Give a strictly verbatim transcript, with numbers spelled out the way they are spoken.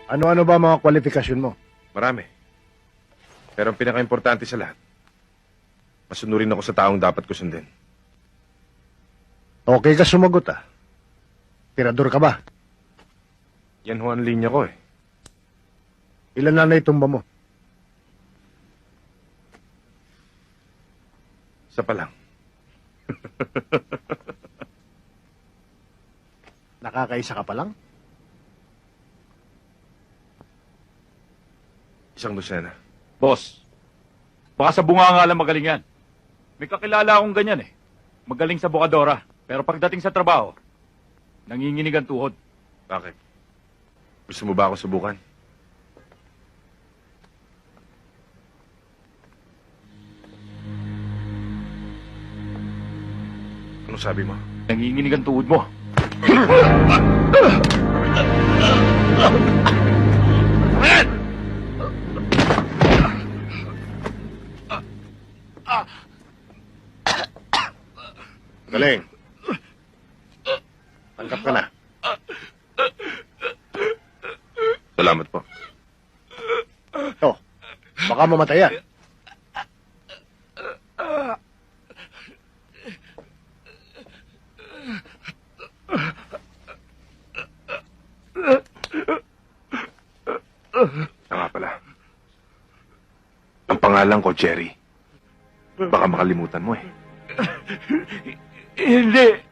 Ano-ano ba mga kwalifikasyon mo? Marami. Pero ang pinaka-importante sa lahat, masunurin ako sa taong dapat ko sundin. Okay ka sumagot ah. Tirador ka ba? Yan ho ang linya ko eh. Ilan na naitumba mo? Isa pa lang. Nakakaisa ka pa lang? Isang dosena. Boss, baka sa bunga nga lang magaling yan. May kakilala akong ganyan eh. Magaling sa bukadora. Pero pagdating sa trabaho, nanginginig ang tuhod. Bakit? Gusto mo ba ako subukan? Anong sabi mo? Nanginginig ang tuhod mo. Galing. Tangkap ka na. Salamat po. Oh, baka mamatay yan. Nga pala. Ang pangalan ko, Jerry. Baka makalimutan mo eh. Hindi.